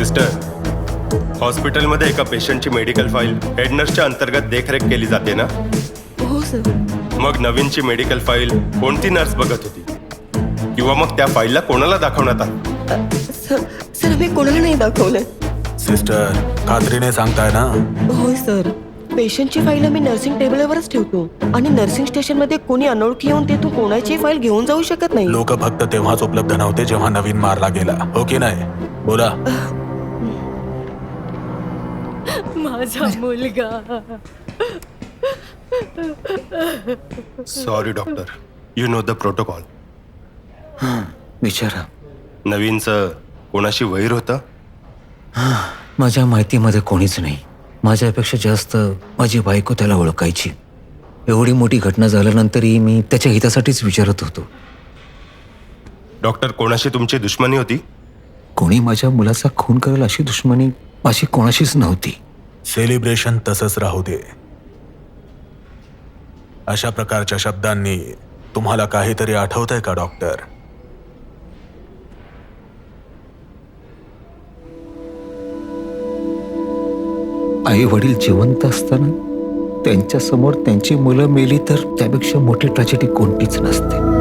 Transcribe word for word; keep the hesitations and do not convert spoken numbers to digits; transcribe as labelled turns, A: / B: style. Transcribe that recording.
A: Sister, हॉस्पिटलमध्ये एका पेशंटची मेडिकल फाईल हेड नर्सच्या अंतर्गत देखरेख केली जाते ना?
B: हो सर.
A: मग नवीनची मेडिकल फाईल कोणती नर्स बघत होती, किंवा मग त्या फाईलला कोणाला दाखवण्यात आलं?
B: सर सर मी कोणाला नाही दाखवलं.
C: सिस्टर, खात्रीने सांगताय ना?
B: होय सर. पेशंटची फाईल मी नर्सिंग टेबलवरच ठेवतो आणि नर्सिंग स्टेशनमध्ये कोणी अनोळखी येऊन तेथून कोणाची फाईल घेऊन जाऊ शकत नाही.
C: लोक फक्त तेव्हाच उपलब्ध नव्हते जेव्हा नवीन मारला गेला, हो की नाही? बोला.
D: माझा मुलगा.
A: Sorry doctor, you know the protocol.
E: विचारा.
A: नवीनचं कोणाशी वैर होतं?
E: माझ्या माहितीमध्ये कोणीच नाही. माझ्यापेक्षा जास्त माझी बायको त्याला ओळखायची. एवढी मोठी घटना झाल्यानंतरही मी त्याच्या हितासाठीच विचारत होतो.
A: डॉक्टर, कोणाशी तुमची दुश्मनी होती?
E: कोणी माझ्या मुलाचा खून करेल अशी दुश्मनी माझी कोणाशीच नव्हती.
C: सेलिब्रेशन तसंच राहू दे. अशा प्रकारच्या शब्दांनी तुम्हाला काहीतरी आठवतंय का डॉक्टर?
E: आई वडील जिवंत असताना त्यांच्या समोर त्यांची मुलं मेली तर त्यापेक्षा मोठी ट्रॅजेडी कोणतीच नसते.